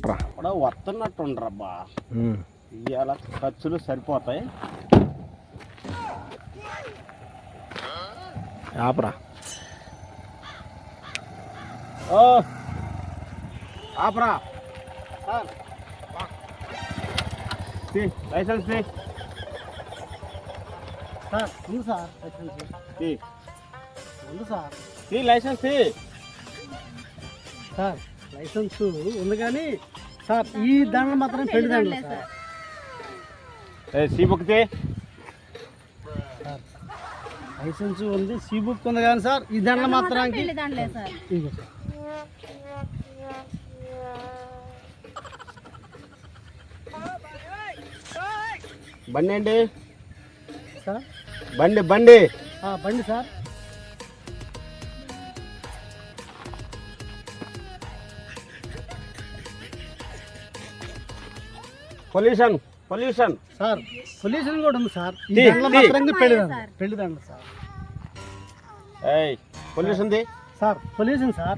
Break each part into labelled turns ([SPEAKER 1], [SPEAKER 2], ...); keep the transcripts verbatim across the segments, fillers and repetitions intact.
[SPEAKER 1] పట్రా
[SPEAKER 2] కూడా వస్తున్నట్టు ఉండరబ్బా. ఇవాళ ఖర్చులు సరిపోతాయి.
[SPEAKER 1] ఆపరా.
[SPEAKER 2] ఓ ఆపరా లైసెన్స్
[SPEAKER 3] సార్ ఉంది సార్ లైసెన్స్ ఉంది సార్
[SPEAKER 2] లైసెన్స్
[SPEAKER 3] సార్ లైసెన్స్ ఉంది కానీ సార్ ఈ దండలు మాత్రం పెళ్లి దండలు sir.
[SPEAKER 2] C book
[SPEAKER 3] sir license ఉంది, సి బుక్ ఉంది కానీ సార్ ఈ దండలు మాత్రానికి ఇదిగో సార్.
[SPEAKER 2] బండి అండి
[SPEAKER 3] సార్
[SPEAKER 2] బండి బండి
[SPEAKER 3] బండి sir.
[SPEAKER 2] Pollution pollution
[SPEAKER 3] sir pollution కూడా ఉంది సార్. ఈ దండలు మాత్రానికి పెళ్లి దండలు పెళ్లి దండలు సార్.
[SPEAKER 2] ఏయ్ పొల్యూషన్ ది
[SPEAKER 3] sir pollution sir.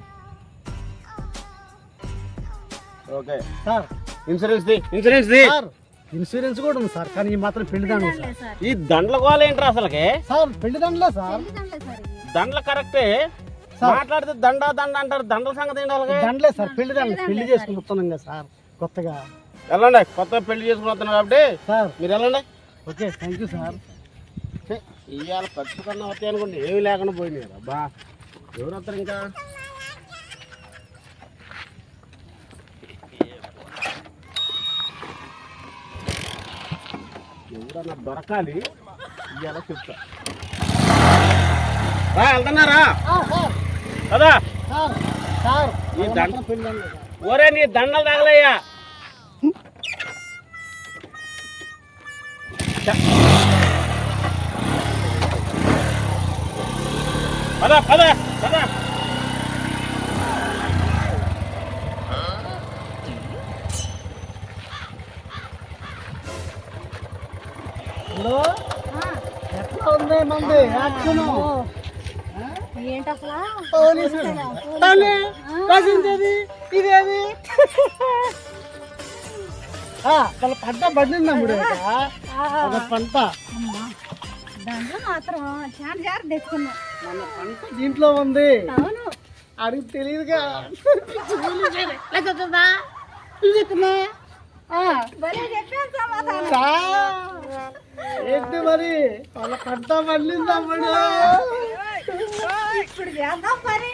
[SPEAKER 2] Okay
[SPEAKER 3] sir
[SPEAKER 2] insurance ది ఇన్సూరెన్స్ ది
[SPEAKER 3] సార్ ఇన్సూరెన్స్ కూడా ఉంది సార్, కానీ ఈ మాత్రం పెళ్లి దండలు సార్.
[SPEAKER 2] ఈ దండల గోల ఏంట్రా అసలుకి?
[SPEAKER 3] సార్ పెళ్లి దండలే సార్.
[SPEAKER 2] దండలు కరెక్టే, మాట్లాడితే దండ దండ అంటారు. దండల సంగతి ఏంటి అలాగే?
[SPEAKER 3] దండలే సార్, పెళ్లి దండలు. పెళ్లి చేసుకుని వస్తున్నాం కదా సార్ కొత్తగా.
[SPEAKER 2] వెళ్ళండి, కొత్తగా పెళ్లి చేసుకుని వస్తున్నారు కాబట్టి
[SPEAKER 3] సార్
[SPEAKER 2] మీరు వెళ్ళండి.
[SPEAKER 3] Okay thank you sir.
[SPEAKER 2] ఇవాళ ఖర్చు కన్నా వస్తాయి అనుకోండి, ఏమి లేకుండా పోయినాయి అబ్బా. ఎవరు వస్తారు ఇంకా? ఎవరన్నా దొరకాలి, ఇవాళ చెప్తా. రా వెళ్తున్నారా కదా? ఈ దండ ఓరే నీ దండలు తగలయ్యా. పద పద పద.
[SPEAKER 3] హలో ఎట్లా ఉంది మంది యాక్షన్?
[SPEAKER 4] ఏంటి అసలు
[SPEAKER 3] ఇదేది వాళ్ళ పంట పండిందమ్ముడు ఒక పంట.
[SPEAKER 4] దాంట్లో మాత్రం చాలా జాగ్రత్త తెచ్చుకున్నాం.
[SPEAKER 3] మన పంట దీంట్లో ఉంది.
[SPEAKER 4] అవును
[SPEAKER 3] అడిగి తెలియదుగా. ఏంటి మరి వాళ్ళ పంట పండిందమ్ముడు.
[SPEAKER 4] ఇప్పుడు చేద్దాం మరి.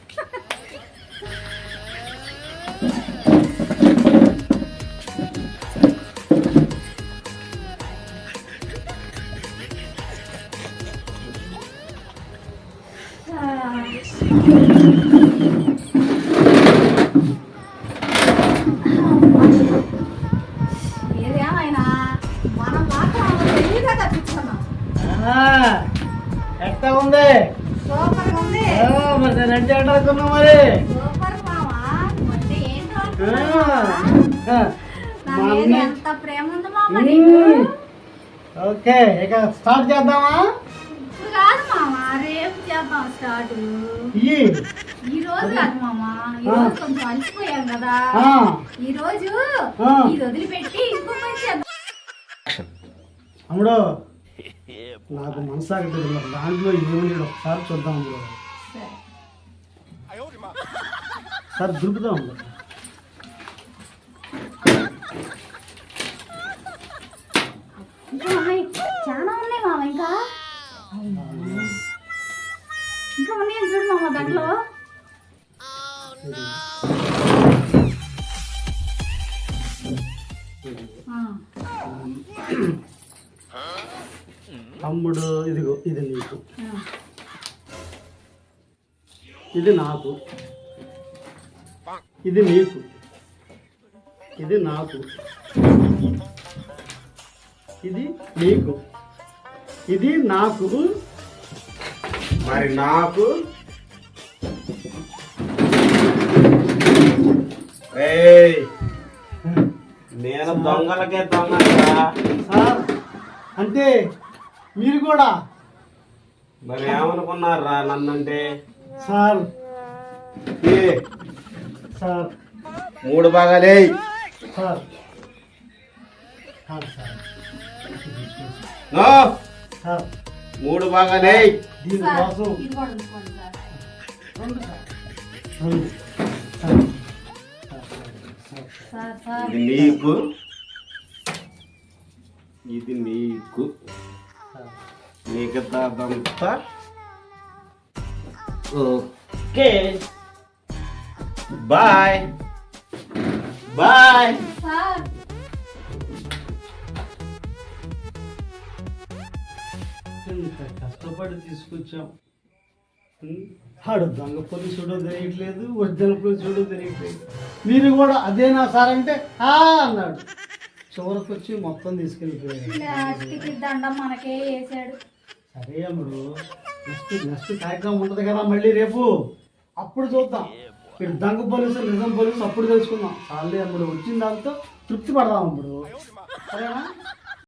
[SPEAKER 4] ఏదేమైనా మనం మాత్రం తెలివిగా తప్పించుకున్నాం.
[SPEAKER 3] ఎట్లా ఉంది?
[SPEAKER 4] సూపర్ గా ఉంది.
[SPEAKER 3] మరి నేను అంటే అనుకున్నా మరి.
[SPEAKER 4] సూపర్ మామా. అంటే ఏంటో
[SPEAKER 3] ఆ.
[SPEAKER 4] నా మీద ఎంత ప్రేమ ఉంది మామ నీకు.
[SPEAKER 3] ఓకే ఇక స్టార్ట్ చేద్దామా?
[SPEAKER 4] ఇప్పుడు కాదు మామ, రేపు చేద్దాం స్టార్ట్. ఈ రోజు కాదు మామ, ఈ రోజు కొంచెం అలసిపోయాం కదా. ఈ రోజు ఇది వదిలిపెట్టి ఇంకో పని చేద్దాం.
[SPEAKER 3] అమ్ముడు నాకు మనసాగట్లేదు, మరి దాంట్లో ఏమని ఒకసారి చూద్దాం అమ్ముడు. సార్ దొరుకుతాం అమ్ముడు.
[SPEAKER 4] ఇంకా ఉన్నాయి, చాలా ఉన్నాయి మామ. ఇంకా ఇంకా ఉన్నాయి చూడు మామ దాంట్లో.
[SPEAKER 3] తమ్ముడు ఇదిగో ఇది నీకు, ఇది నాకు, ఇది నీకు, ఇది నాకు, ఇది నీకు, ఇది నాకు,
[SPEAKER 2] మరి నాకు నేను దొంగలకే దొంగ
[SPEAKER 3] సార్. అంటే మీరు కూడా
[SPEAKER 2] మరి ఏమనుకున్నారా నన్నంటే?
[SPEAKER 3] సార్ సార్
[SPEAKER 2] మూడు భాగాలే.
[SPEAKER 3] సార్ కాదు సార్
[SPEAKER 2] నో,
[SPEAKER 3] సార్
[SPEAKER 2] మూడు భాగాలే.
[SPEAKER 3] దీనికోసం
[SPEAKER 4] ఇది కూడా ఉంచుకోండి సార్.
[SPEAKER 3] రెండు సార్ రెండు సార్ సార్
[SPEAKER 4] సార్ సార్
[SPEAKER 2] ఇది నీకు, ఇది నీకు,
[SPEAKER 3] సార్
[SPEAKER 2] మిగతాదంతా ఓకే. Bye bye.
[SPEAKER 4] సార్
[SPEAKER 3] ఇంత కష్టపడి తీసుకొచ్చాం. ఆడు దొంగ పోలీసుడో తెలియట్లేదు, ఒరిజినల్ పోలీసుడో తెలియట్లేదు. మీరు కూడా అదేనా సార్ అంటే ఆ అన్నాడు. చివరికి వచ్చి మొత్తం తీసుకెళ్ళిపోయాడు.
[SPEAKER 4] లాస్ట్కి దండం మనకే వేసాడు.
[SPEAKER 3] సరే అమ్ముడు, నెక్స్ట్ నెక్స్ట్ కార్యక్రమం ఉంటుంది కదా మళ్ళీ రేపు, అప్పుడు చూద్దాం. మీరు దొంగ పోలీసు నిజం పోలీసు అప్పుడు తెలుసుకుందాం. చాలే అమ్ముడు, వచ్చిన దాంతో తృప్తి పడదాం అమ్ముడు. సరేనా?